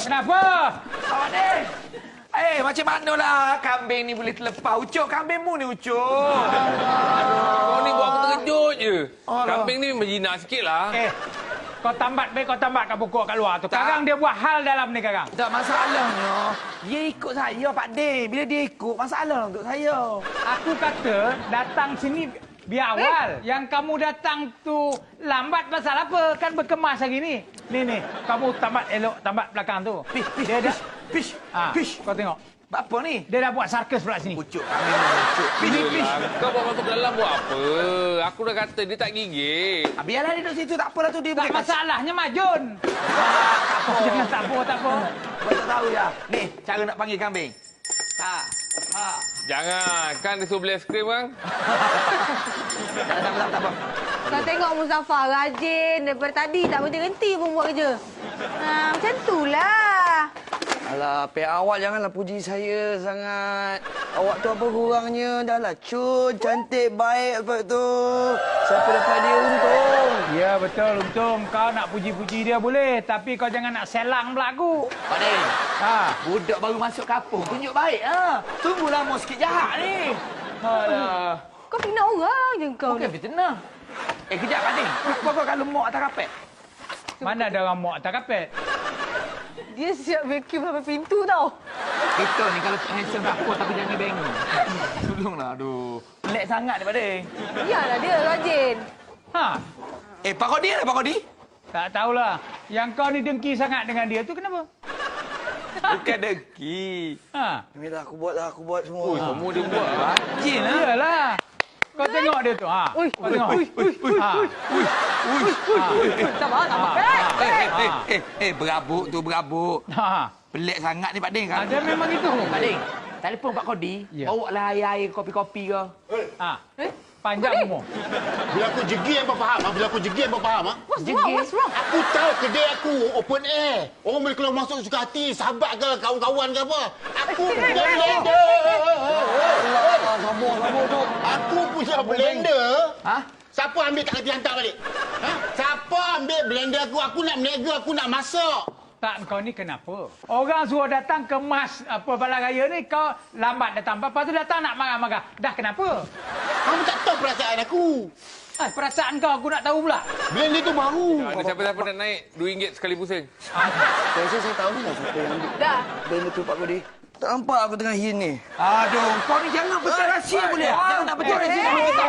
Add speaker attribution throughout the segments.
Speaker 1: Kenapa?
Speaker 2: Awak ni. Macam manalah kambing ni boleh terlepas. Ucuk, kambingmu ni Ucuk.
Speaker 3: Kau ni buat aku terkejut je.
Speaker 2: Alah.
Speaker 3: Kambing ni menjinak sikit lah.
Speaker 1: Kau tambat kat pokok kat luar tu. Karang dia buat hal dalam ni Karang.
Speaker 2: Tak masalahnya. Dia ikut saya, Pak De. Bila dia ikut, masalah untuk saya.
Speaker 1: Aku kata datang sini biar awal. Yang kamu datang tu lambat pasal apa? Kan berkemas hari ni. Ni, kamu tambat elok, tambat belakang tu. Dia dah...
Speaker 2: Pish.
Speaker 1: Kau tengok.
Speaker 2: Apa ni?
Speaker 1: Dia dah buat sarkas pula sini.
Speaker 2: Ucuk, kambing ni Ucuk. Pish.
Speaker 3: Kau bawa masuk ke dalam buat apa? Aku dah kata dia tak gigit.
Speaker 2: Biarlah dia duduk situ, tak apalah tu dia.
Speaker 1: Tak masalahnya Majun. Jangan tak apa.
Speaker 2: Kau tak tahu ya. Ni, cara nak panggil kambing. Ha.
Speaker 3: Jangan. Kan dia suruh beli aiskrim kan?
Speaker 2: Tak apa.
Speaker 4: Kau tengok Muzaffar rajin. Daripada tadi tak berhenti pun buat kerja. Macam itulah.
Speaker 5: Alah, pihak awak janganlah puji saya sangat. Awak tu apa kurangnya? Dah lah cun, cantik, baik apa tu. Siapa dapat dia untung.
Speaker 1: Ya, betul. Untung kau nak puji-puji dia boleh. Tapi kau jangan nak selang pula aku.
Speaker 2: Pak De. Budak baru masuk kampung. Tunjuk baik. Tunggu lama sikit jahat ni. Alah.
Speaker 4: Kau fitnah orang je kau
Speaker 2: Bukan
Speaker 4: ni.
Speaker 2: fitnah. Kejap Pak De. Kau kalau mak atas kapet.
Speaker 1: Mana ada orang muak atas kapet?
Speaker 4: Dia siap vacuum sampai pintu tau.
Speaker 2: Kita ni kalau handsome tak apa tapi jangan bengong. Tolonglah, aduh. Pelik sangat ni Pak De.
Speaker 4: Iyalah dia rajin.
Speaker 2: Pak Kodi ada Pak Kodi?
Speaker 1: Tak tahulah. Yang kau ni dengki sangat dengan dia tu kenapa?
Speaker 2: Bukan dengki.
Speaker 5: Inilah aku buat semua.
Speaker 3: Semua dia buat.
Speaker 2: Rajin lah.
Speaker 1: Iyalah. Kau tengok dia tu. Kau tengok.
Speaker 4: Tambah.
Speaker 2: Berabuk tu berabuk. Pelik sangat ni Pak Ding.
Speaker 1: Dia memang itu.
Speaker 2: Pak Ding, telefon Pak Kodi.
Speaker 1: Ya.
Speaker 2: Bawa lah air-air kopi-kopi ke.
Speaker 1: Panjang umur.
Speaker 6: Bila aku jegi hangpa faham. Bila aku jegi hangpa faham.
Speaker 4: What's wrong?
Speaker 6: Aku tahu kedai aku open air. Orang boleh keluar masuk suka hati, sahabat ke kawan-kawan ke apa. Aku punya blender. Aku punya blender. Siapa ambil tak kerti hantar balik? Siapa ambil blender aku? Aku nak berniaga, aku nak masak.
Speaker 1: Tak, kau ni kenapa? Orang suruh datang kemas balai raya ni, kau lambat datang. Lepas tu datang nak marah-marah. Dah kenapa?
Speaker 6: Kamu tak tahu perasaan aku.
Speaker 1: Perasaan kau aku nak tahu pula.
Speaker 6: Blender tu baru.
Speaker 3: Ada siapa-siapa nak naik RM2 sekali pusing?
Speaker 5: Saya tahu dah siapa yang ambil.
Speaker 4: Dah.
Speaker 5: Benda tu Pak Kodi. Tak nampak aku tengah hin ni.
Speaker 2: Aduh, kau ni jangan pecah rahsia boleh? Jangan nak pecah rahsia.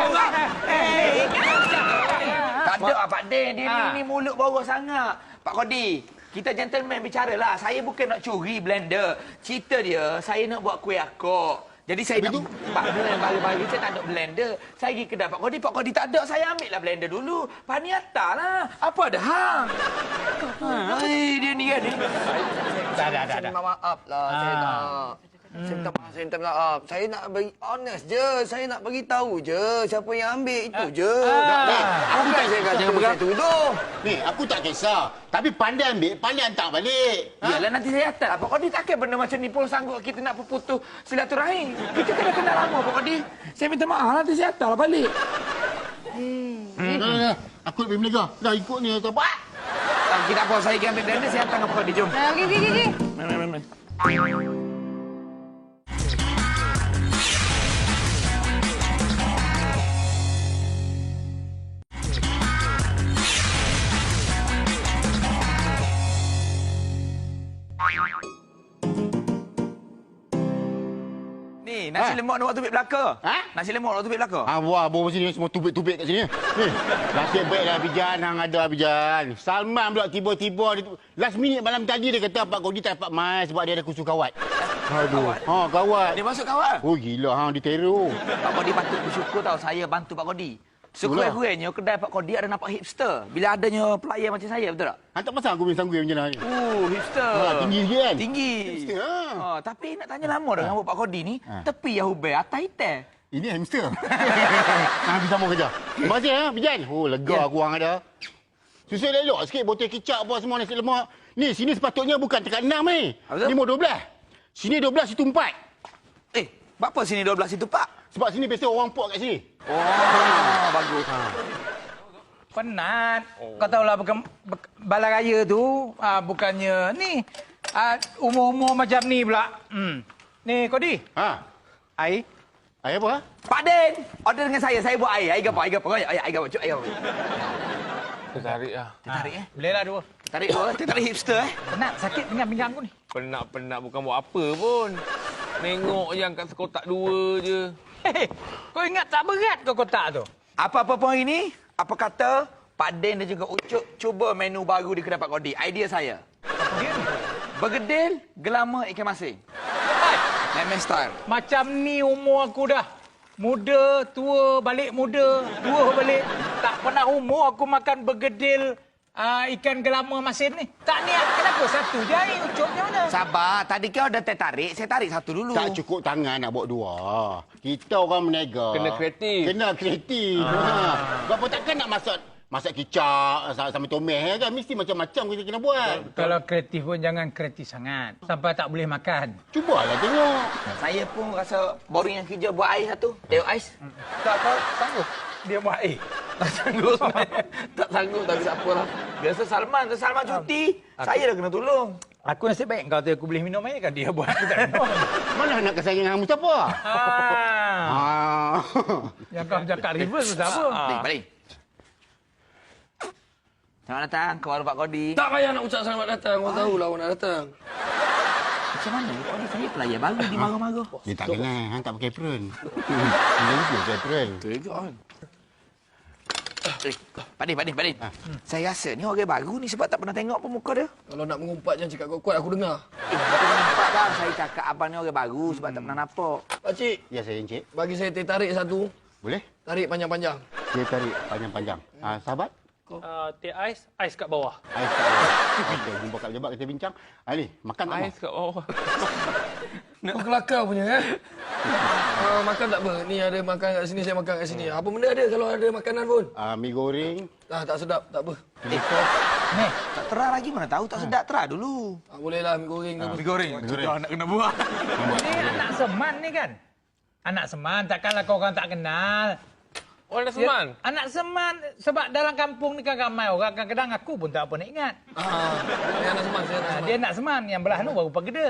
Speaker 2: Tak ada Pak Ding. Dia ni mulut bawah sangat. Pak Kodi, kita gentleman bicara lah. Saya bukan nak curi blender. Cerita dia, saya nak buat kuih akok. Jadi saya nak... Pak Ding, bagi-bagi saya tak ada blender. Saya pergi kedai Pak Kodi tak ada. Saya ambil lah blender dulu. Pak ni lah. Apa ada hang? Dia ni kan ni.
Speaker 5: Saya minta maaf lah. Saya minta maaf. Saya nak bagi honest je. Saya nak bagi tahu je siapa yang ambil itu je. Bukan saya kata saya tuduh.
Speaker 6: Ni, aku tak kisah. Tapi pandai ambil, pandai hantar balik.
Speaker 2: Yalah nanti saya hantar lah. Pak Kodi takkan benda macam ni pun sanggup kita nak berputus silaturahim. Kita kena kenal lama Pak Kodi. Saya minta maaf nanti saya hantar lah balik.
Speaker 6: Aku lebih menegak. Dah ikut ni atau apa?
Speaker 2: Kita apa saya pergi ambil blender saya hantar dengan Pak Kodi. Jom.
Speaker 4: Pergi.
Speaker 2: Ni, nasi lemak nak buat tubik belaka. Nasi lemak nak buat tubik belaka.
Speaker 6: Wah, bawa sini semua tubik-tubik kat sini. Ni, nasib baiklah Bijan, hang ada Bijan. Salman pula tiba-tiba last minute malam tadi dia kata Pak Kodi tak dapat mai sebab dia ada kursus kawat. Aduh. Kawat.
Speaker 2: Dia masuk kawat.
Speaker 6: Oh gila hang diteror.
Speaker 2: Pak Kodi patut bersyukur tau saya bantu Pak Kodi. Sekurang-kurangnya kedai Pak Kodi ada nampak hipster. Bila adanya pelayan macam saya, betul tak?
Speaker 6: Hang tak pasang aku punya sanggui macam ni.
Speaker 2: Hipster.
Speaker 6: Tinggi sikit kan?
Speaker 2: Tinggi.
Speaker 6: Hipster.
Speaker 2: Tapi nak tanya lama dah rambut Pak Kodi ni. Tepi yang hubel, atas hitam.
Speaker 6: Ini hamster. Habis sama kerja. Terima kasih Bijan. Lega aku hang ada. Susul elok sikit botol kicap apa semua nasi lemak. Ni sini sepatutnya bukan tekat 6 ni. Ni mau 12. Sini 12 situ 4.
Speaker 2: Apa sini 12 situ Pak?
Speaker 6: Sebab sini biasa orang pok kat sini.
Speaker 2: Bagus.
Speaker 1: Penat. Kau tahulah balai raya tu bukannya ni Umur-umur macam ni pula. Ni, Kodi.
Speaker 6: Ha?
Speaker 1: Air.
Speaker 6: Air apa?
Speaker 2: Pak Den, order dengan saya. Saya buat air. Air apa? Air apa? Air apa? Cuk, air apa?
Speaker 3: Tertarik lah.
Speaker 2: Tarik
Speaker 1: Bolehlah dua.
Speaker 2: Tarik dua. Tarik hipster
Speaker 1: Penat, sakit pinggang aku ni.
Speaker 3: Penat-penat bukan buat apa pun. Nengok je angkat sekotak 2 je.
Speaker 1: Hei, kau ingat tak berat ke kotak tu?
Speaker 2: Apa-apa pun hari ni, apa kata Pak Den dan juga Ucup cuba menu baru di kedai Pak Kodi. Idea saya.
Speaker 1: Apa dia ni?
Speaker 2: Bergedil, gelama, ikan masin.
Speaker 1: Hai,
Speaker 2: Memang style.
Speaker 1: macam ni umur aku dah. Muda, tua, balik muda, tua balik. Tak pernah umur aku makan bergedil ikan gelama masin ni. Tak niat, kenapa satu je air Ucupnya mana?
Speaker 2: Sabar, tadi kau dah tertarik, saya tarik satu dulu.
Speaker 6: Tak cukup tangan nak bawa 2. Kita orang menega.
Speaker 3: Kena kreatif.
Speaker 6: Kena kreatif. Sebab apa takkan nak masak kicap sama tomeh kan. Mesti macam-macam kita kena buat.
Speaker 1: Kalau kreatif pun jangan kreatif sangat. Sampai tak boleh makan.
Speaker 6: Cubalah tengok.
Speaker 2: Saya pun rasa boring yang kerja buat air satu. Tengok ais.
Speaker 1: Tak sanggup dia buat air.
Speaker 2: Tak sanggup sebenarnya. Tak sanggup tapi tak apalah. Biasa Salman cuti. Saya dah kena tolong.
Speaker 1: Aku nasib baik kau tu aku boleh minum air kan dia buat aku tak minum.
Speaker 6: Mana nak kesayang dengan Mustafa?
Speaker 1: Yang kau cakap reverse tu apa?
Speaker 2: Balik. Selamat datang ke warung Pak Kodi.
Speaker 5: Tak payah nak ucap selamat datang. Orang tahulah orang nak datang.
Speaker 2: Macam mana? Pak Kodi saya pelayan baru di marah-marah.
Speaker 6: Dia tak kenal, hang tak pakai apron. Dia juga pakai apron.
Speaker 2: Pak Din. Saya rasa ni orang baru ni sebab tak pernah tengok pun muka dia.
Speaker 5: Kalau nak mengumpat jangan cakap kuat-kuat aku dengar.
Speaker 2: Tapi nampak bang, saya cakap abang ni orang baru sebab tak pernah nampak.
Speaker 5: Pakcik,
Speaker 6: Ya saya encik.
Speaker 5: bagi saya teh tarik satu.
Speaker 6: Boleh?
Speaker 5: Tarik panjang-panjang.
Speaker 6: Dia tarik panjang-panjang. Sahabat?
Speaker 1: Teh ais kat bawah.
Speaker 6: Ais kat bawah. Okey, jumpa kat pejabat kita bincang. Ni, makan tak
Speaker 3: Ais
Speaker 6: mau?
Speaker 3: kat bawah.
Speaker 5: Kau kelakar punya makan tak apa. Ni ada makan kat sini, saya makan kat sini. Apa benda ada kalau ada makanan pun?
Speaker 6: Mi goreng.
Speaker 5: Tak sedap, tak apa.
Speaker 1: Ni,
Speaker 2: Tak terah lagi mana tahu tak sedap terah dulu.
Speaker 5: Bolehlah mi goreng ke apa.
Speaker 2: Mi goreng. Sudah nak kena buat.
Speaker 1: ni anak Seman ni kan? Anak Seman, takkanlah kau orang tak kenal.
Speaker 3: Orang dah seman.
Speaker 1: Anak Seman, sebab dalam kampung ni kan ramai orang. Kadang-kadang aku pun tak apa nak ingat.
Speaker 5: Saya anak seman, saya anak seman.
Speaker 1: Dia anak Seman, yang belah tu baru Pageda.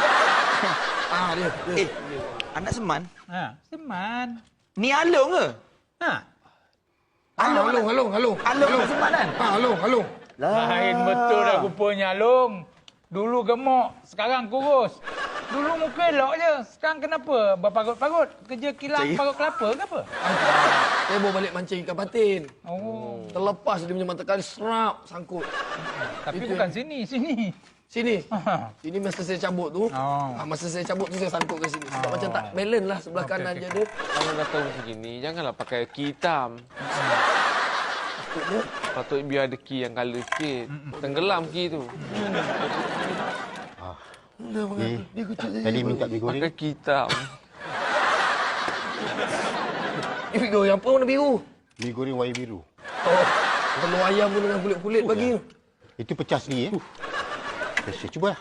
Speaker 5: Dia.
Speaker 2: Anak Seman.
Speaker 1: Seman.
Speaker 2: Ni Along ke?
Speaker 5: Halung.
Speaker 2: Along anak Seman kan?
Speaker 5: Halung.
Speaker 1: Lain betul dah rupanya Long. Dulu gemuk, sekarang kurus. Dulu muka elok je. Sekarang kenapa? Berparut-parut. Kerja kilang parut kelapa ke apa?
Speaker 5: Saya bawa balik mancing ikan patin.
Speaker 1: Oh.
Speaker 5: Terlepas dia punya mata kali serap sangkut.
Speaker 1: Tapi
Speaker 5: Itu
Speaker 1: bukan sini.
Speaker 5: Sini. Ini masa saya cabut tu.
Speaker 1: Oh.
Speaker 5: Masa saya cabut tu saya sangkut ke sini. Sebab macam tak balance lah sebelah kanan je dia.
Speaker 3: Kalau dah tahu macam gini, janganlah pakai ki hitam. Patut biar ada ki yang colour sikit. Tenggelam ki tu.
Speaker 6: Tadi minta mi goreng.
Speaker 3: Pakai ki hitam.
Speaker 5: Ini goreng apa warna biru?
Speaker 6: Mi goreng warna biru.
Speaker 5: Telur ayam pun dengan kulit-kulit bagi tu.
Speaker 6: Itu pecah sendiri Saya cubalah.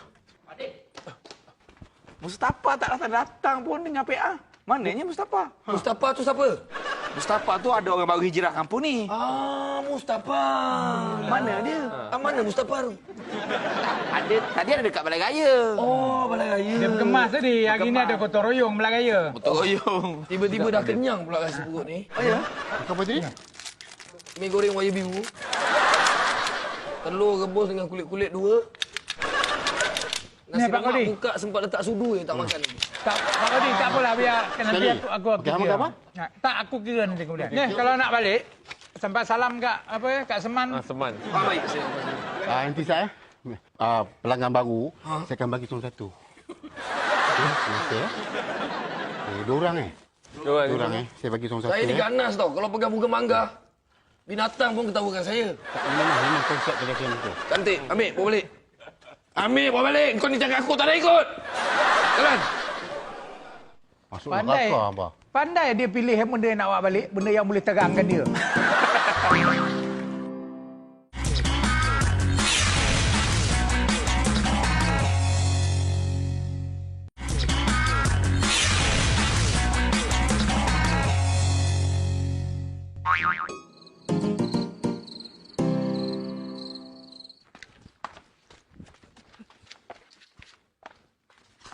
Speaker 2: Mustafa tak datang pun dengan PA. Mananya Mustafa?
Speaker 5: Mustafa tu siapa?
Speaker 2: Mustafa tu ada orang baru hijrah kampung ni.
Speaker 5: Mustafa.
Speaker 2: Mana dia?
Speaker 5: Mana Mustafa tu?
Speaker 2: Tadi ada dekat Balai Raya.
Speaker 5: Balai raya.
Speaker 1: Dia berkemas tadi. Hari ni ada gotong royong Belah Raya.
Speaker 2: Betul royong.
Speaker 5: Tiba-tiba dah kenyang pula rasa perut ni.
Speaker 2: Oh ya?
Speaker 6: Apa tadi?
Speaker 5: Mi goreng warna biru. Telur rebus dengan kulit-kulit 2. Nasi
Speaker 1: Pak Kodi.
Speaker 5: lemak buka sempat letak sudu je tak makan lagi.
Speaker 1: Tak, Pak Kodi, tak apalah. Biar nanti
Speaker 6: Sekali.
Speaker 1: aku
Speaker 6: Okey, hang
Speaker 1: kira.
Speaker 6: makan apa?
Speaker 1: Tak, aku kira nanti kemudian. Ni, kalau nak balik, sampai salam kat Seman.
Speaker 3: Seman.
Speaker 5: Baik saya.
Speaker 6: Nanti saya pelanggan baru, saya akan bagi seorang satu. Okey. Dua orang Dua orang Saya bagi seorang satu.
Speaker 5: Saya ni ganas tau. Kalau pegang bunga mangga, binatang pun ketawakan saya.
Speaker 6: Memang konsep kedai saya tu.
Speaker 5: Cantik. Ambil, bawa balik. Ambil, bawa balik. Kau ni cakap aku tak ada ikut. Jalan.
Speaker 6: Masuk
Speaker 1: Pandai.
Speaker 6: neraka apa?
Speaker 1: Pandai dia pilih benda yang nak bawa balik. Benda yang boleh terangkan dia.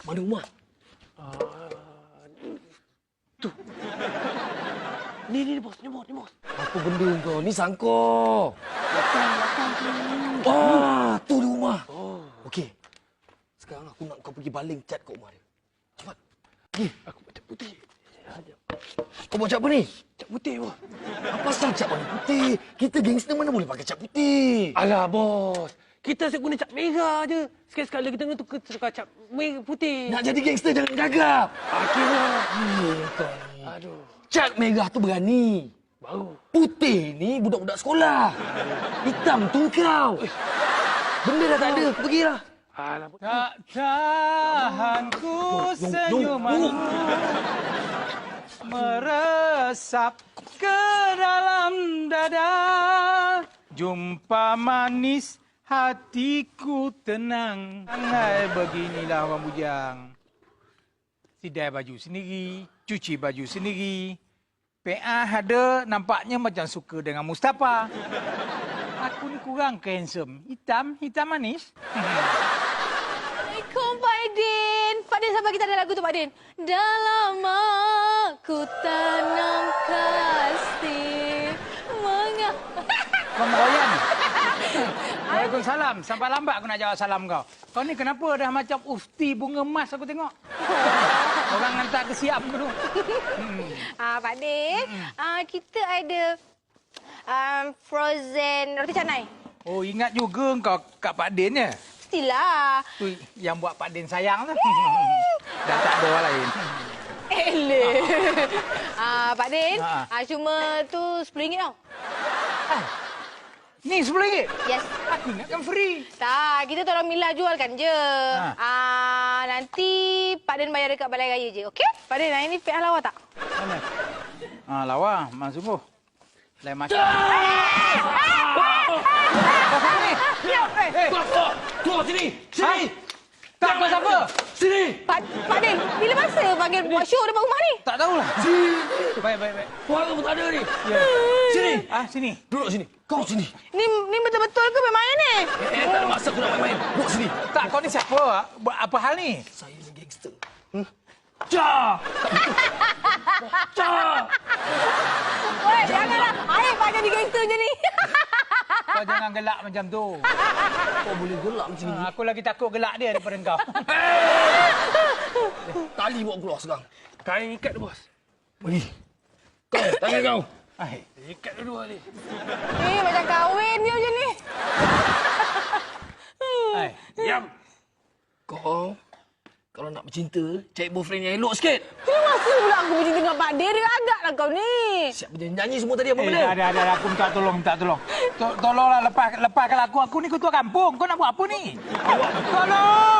Speaker 5: Mana rumah? Tu. Ni bos. Apa benda kau? Ni sangkor. Wah, tu di rumah. Okey. Sekarang aku nak kau pergi baling cat kat rumah dia. Cepat. Pergi. Aku buat cat putih. Kau buat cat apa ni? Cat putih, bos. Apa pasal cat warna putih? Kita gangster mana boleh pakai cat putih?
Speaker 7: Alah, bos. Kita asyik guna cat merah je. Sekali-sekala kita nak tukar cat merah putih.
Speaker 5: Nak jadi gangster jangan gagap.
Speaker 7: Akhirnya.
Speaker 5: Kau ni.
Speaker 7: Aduh.
Speaker 5: Cat merah tu berani.
Speaker 7: Baru.
Speaker 5: Putih ni budak-budak sekolah. Hitam tu kau. Benda dah tak ada. Aku pergilah.
Speaker 7: Alah, bos.
Speaker 1: Tak tahan ku senyumanmu meresap ke dalam dada. Jumpa manis hatiku tenang. Angai beginilah orang bujang. Sidai baju sendiri, cuci baju sendiri. PA ada nampaknya macam suka dengan Mustafa. Aku ni kurang ke handsome. Hitam manis.
Speaker 4: Assalamualaikum Pak Din. Pak Din, sabar, kita ada lagu tu Pak Din. Dalam aku tanam kasih
Speaker 1: Kau meroyan. Waalaikumsalam. Sampai lambat aku nak jawab salam kau. Kau ni kenapa dah macam ufti bunga emas aku tengok? Orang hantar ke Siam tu.
Speaker 4: Pak Din, kita ada frozen roti canai.
Speaker 1: Oh, ingat juga kau Kak Pak Din ya?
Speaker 4: Mestilah.
Speaker 1: Tu yang buat Pak Din sayang tu. Dah tak ada orang lain.
Speaker 4: Eleh. Pak Din, cuma tu RM10 tau.
Speaker 1: Ni RM10?
Speaker 4: Yes.
Speaker 1: Aku ingatkan free.
Speaker 4: Tak, kita tolong Mila jualkan je. Nanti Pak Din bayar dekat Balai Raya je, okey? Pak Din, hari ni PA lawa tak?
Speaker 1: Mana? Lawa. Memang sungguh. Lain macam. Kau siapa ni?
Speaker 5: Keluar sini. Sini.
Speaker 1: Tak, kau siapa?
Speaker 5: Sini.
Speaker 4: Pak Din, bila masa panggil buat show depan rumah ni?
Speaker 1: Tak tahulah.
Speaker 5: Sini.
Speaker 1: Baik.
Speaker 5: Suara pun tak ada ni.
Speaker 1: Ya.
Speaker 5: Sini.
Speaker 1: Sini.
Speaker 5: Duduk sini. Kau sini.
Speaker 4: Ni betul-betul ke main-main ni?
Speaker 5: Tak ada masa aku nak main-main. Duduk sini.
Speaker 1: Tak, kau ni siapa? Buat apa hal ni?
Speaker 5: Saya ni gangster. Cah! Cah!
Speaker 4: Woi, janganlah. Air Pak jadi gangster je ni.
Speaker 1: Kau jangan gelak macam tu.
Speaker 5: Kau boleh gelak macam ni.
Speaker 1: Aku lagi takut gelak dia daripada kau.
Speaker 5: Tali bawa keluar sekarang.
Speaker 7: Kain ikat tu, bos.
Speaker 5: Pergi. Kau, tangan kau.
Speaker 1: Hai.
Speaker 7: Ikat dua ni.
Speaker 4: Macam kahwin ni macam ni.
Speaker 1: Hai.
Speaker 7: Diam.
Speaker 5: Kau, kalau nak bercinta, cari boyfriend yang elok sikit.
Speaker 4: Bila masa pula aku bercinta dengan Pak Din? Dia agaklah kau ni.
Speaker 5: Siap bernyanyi semua tadi apa benda?
Speaker 1: Ada. Aku minta tolong. Tolonglah lepaskan aku. Aku ni ketua kampung. Kau nak buat apa ni? Tolong!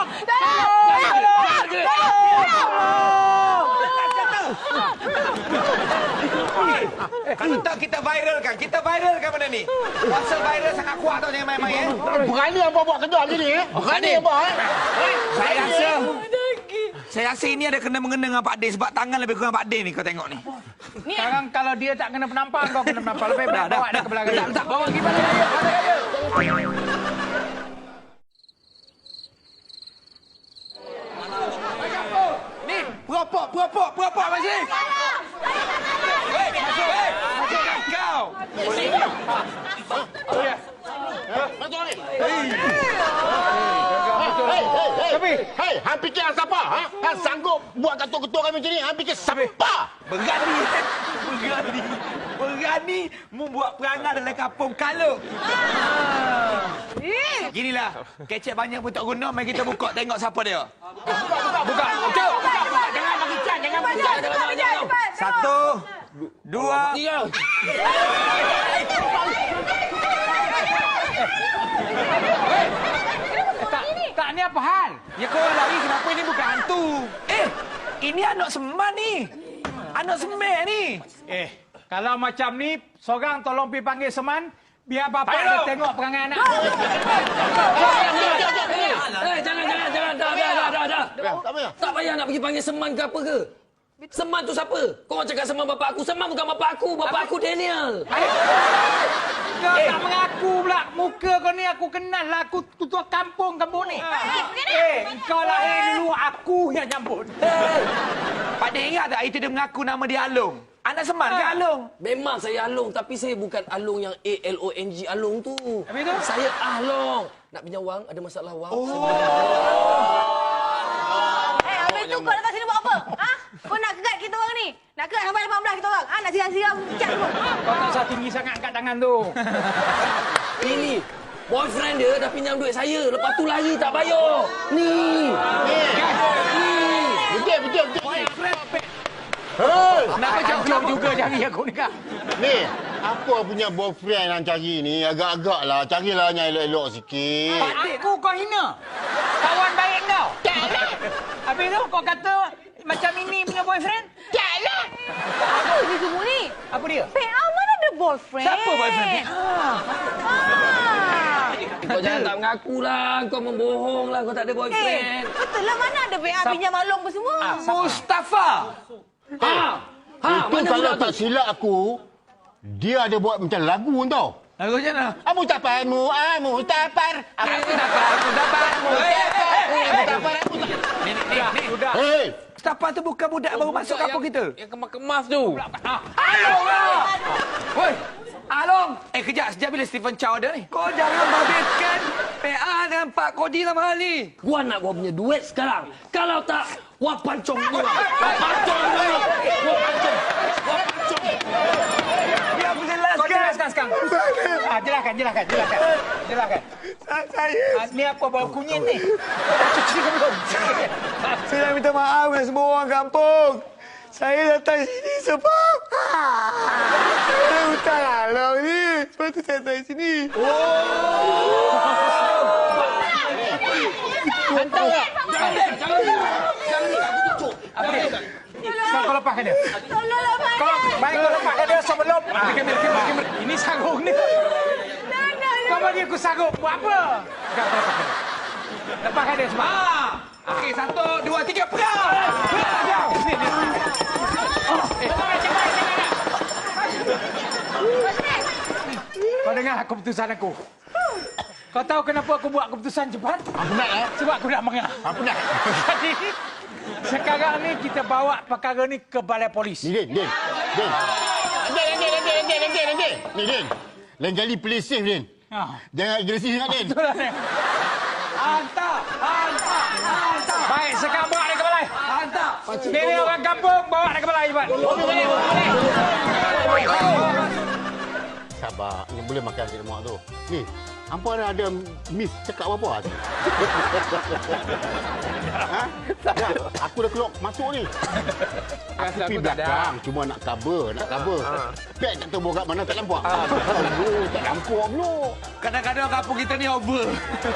Speaker 2: Kalau tak kita viralkan benda ni. Kuasa viral sangat kuat tau, jangan main-main.
Speaker 6: Berani apa buat kerja macam ni? Berani apa?
Speaker 2: Saya rasa ini ada kena-mengena dengan Pak Din sebab tangan lebih kurang Pak Din ni kau tengok ni.
Speaker 1: Sekarang kalau dia tak kena penampar, kau kena penampar. Lebih baik bawa dia ke belakang.
Speaker 2: Tak bawa pergi balik raya. Ni, perapak masih. Masuk. Kau.
Speaker 6: Hei, hang fikir hang siapa? Hang sanggup buat ketua-ketua kami macam ni? Hang fikir siapa?
Speaker 2: Berani membuat perangai dalam kampung Kaluk. Ginilah, kecek banyak pun tak guna, mari kita buka tengok siapa dia. Buka.
Speaker 6: Jangan bagi can, jangan bagi can.
Speaker 2: Satu, dua.
Speaker 1: Tak, ni apa hal?
Speaker 2: Ya kau lari, kenapa ini bukan hantu? Ini anak seman ni. Anak semek ni.
Speaker 1: Kalau macam ni, seorang tolong pergi panggil Seman, biar bapak dia tengok perangai anak.
Speaker 5: Jangan. Dah. Tak payah nak pergi panggil Seman ke apa ke. Seman tu siapa? Kau orang cakap Seman bapak aku. Seman bukan bapak aku. Bapak aku Daniel.
Speaker 1: Kau tak mengaku pula. Muka kau ni aku kenal lah. Aku ketua kampung ni. Kau lahir dulu, aku yang nyambut.
Speaker 2: Pak De ingat tak itu dia mengaku nama dia Along? Anak Semar ke Along?
Speaker 7: Memang saya Along, tapi saya bukan Along yang A-L-O-N-G Along tu.
Speaker 1: Habis tu?
Speaker 7: Saya Ahlong. Nak pinjam wang, ada masalah wang.
Speaker 4: Habis tu kau datang sini buat apa? Ha? Kau nak kegat kita orang ni? Nak kegat sampai 18 kita orang? Ha? Nak siram-siram cat semua?
Speaker 1: Kau tak usah tinggi sangat angkat tangan tu.
Speaker 7: Ini, boyfriend dia dah pinjam duit saya. Lepas tu lari tak bayar. Ni.
Speaker 6: Betul.
Speaker 1: Kenapa jauh juga cari aku ni kak?
Speaker 6: Ni, apa punya boyfriend yang cari ni? Agak-agak lah. Carilah yang elok-elok sikit.
Speaker 1: Aku kau hina. Kawan baik kau. Habis tu kau kata macam ini punya boyfriend?
Speaker 4: Taklah. Apa ni semua ni?
Speaker 1: Apa dia?
Speaker 4: PA mana ada boyfriend?
Speaker 2: Siapa boyfriend?
Speaker 7: Kau jangan tak mengaku lah. Kau membohong lah. Kau tak ada boyfriend.
Speaker 4: Betul lah, mana ada PA pinjam Along pun semua?
Speaker 2: Mustafa.
Speaker 6: Itu
Speaker 7: mana
Speaker 6: kalau
Speaker 7: pula
Speaker 6: tak silap aku, dia ada buat macam lagu tau.
Speaker 2: Lagu macam mana?
Speaker 6: Amu taparmu, amu tapar. Aku tapar.
Speaker 1: Sudah.
Speaker 6: Hei,
Speaker 2: Mustafa tu bukan budak baru masuk kampung kita.
Speaker 3: Yang kemas-kemas tu.
Speaker 2: Along lah! Woi, Along! Kejap. Sejak bila Stephen Chow ada ni? Kau jangan babitkan PA dengan Pak Kodi dalam hal ni.
Speaker 7: Gua nak gua punya duit sekarang. Kalau tak, wah pancong gua.
Speaker 2: Biar aku
Speaker 1: Kau
Speaker 2: jelaskan.
Speaker 1: jelaskan sekarang. Jelaskan.
Speaker 5: Saya
Speaker 1: Ni apa bau kunyit ni? Cuci ke belum?
Speaker 5: Saya nak minta maaf dengan semua orang kampung. Saya datang sini sebab saya hutang Along ni. Sebab tu saya datang sini.
Speaker 1: Kau lepaskan dia.
Speaker 4: Tolong lepaskan.
Speaker 1: Kau lepaskan dia sebelum. Kamera. Ini sarung ni. Kau bagi aku sarung. Buat apa? Kau lepaskan dia. Lepaskan dia semua.
Speaker 2: Okey, 1, 2, 3, pegang!
Speaker 1: Kau dengar keputusan aku. Kau tahu kenapa aku buat keputusan cepat?
Speaker 6: aku nak
Speaker 1: Sebab aku nak mengah.
Speaker 6: Aku nak.
Speaker 1: Jadi, sekarang ni kita bawa perkara ni ke balai polis.
Speaker 6: Ni, Din. Ni, Din. Lain kali play safe, Din.
Speaker 1: Ha.
Speaker 6: Jangan agresif sangat, Din.
Speaker 1: Betul lah, Nek.
Speaker 2: Hantar!
Speaker 1: Baik, sekarang bawa dia ke balai.
Speaker 2: Hantar!
Speaker 1: Ini orang kampung, bawa dia ke balai, cepat.
Speaker 6: Sabar. Ni boleh makan nasi lemak tu. Ni, hampa ada miss cakap apa-apa tadi? Ha? Dah, aku dah keluar masuk ni. Aku pergi belakang. Cuma nak cover. Pek tak tahu bawa kat mana, tak nampak. Tak nampak pula.
Speaker 2: Kadang-kadang kampung kita ni over.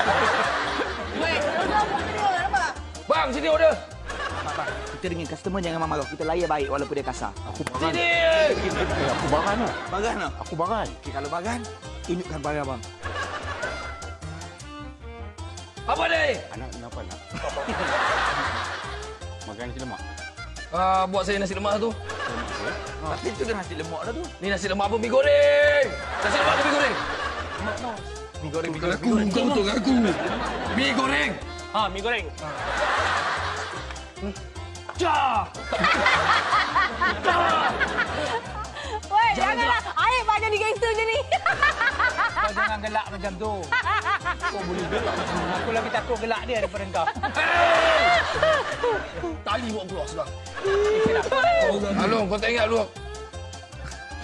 Speaker 7: Bang, sini order.
Speaker 2: Kita dengan customer jangan marah. Kita layan baik walaupun dia kasar.
Speaker 6: Aku baran.
Speaker 7: Sini.
Speaker 6: Aku baran lah.
Speaker 2: Bagan tak?
Speaker 6: Aku baran.
Speaker 2: Okey, kalau bagan, tunjukkan barang abang.
Speaker 7: Apa ni?
Speaker 6: Anak kenapa nak? Makan nasi lemak.
Speaker 7: Buat saya nasi lemak tu.
Speaker 2: Tapi tu kan nasi lemak dah tu.
Speaker 7: Ni nasi lemak apa? Mi goreng. Nasi lemak apa mi goreng?
Speaker 2: Mi goreng.
Speaker 7: Kau betul aku. Mi goreng.
Speaker 3: Ha, mi goreng.
Speaker 7: Cah.
Speaker 4: Woi, janganlah. Aib banyak jadi gangster je ni.
Speaker 1: Kau jangan gelak macam tu. Kau boleh gelak. Aku lagi takut gelak dia daripada kau.
Speaker 7: Tali buat keluar sudah.
Speaker 3: Along, kau tak ingat dulu.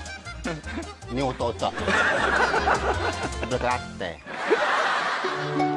Speaker 6: Ni otak-otak. Ada kerate.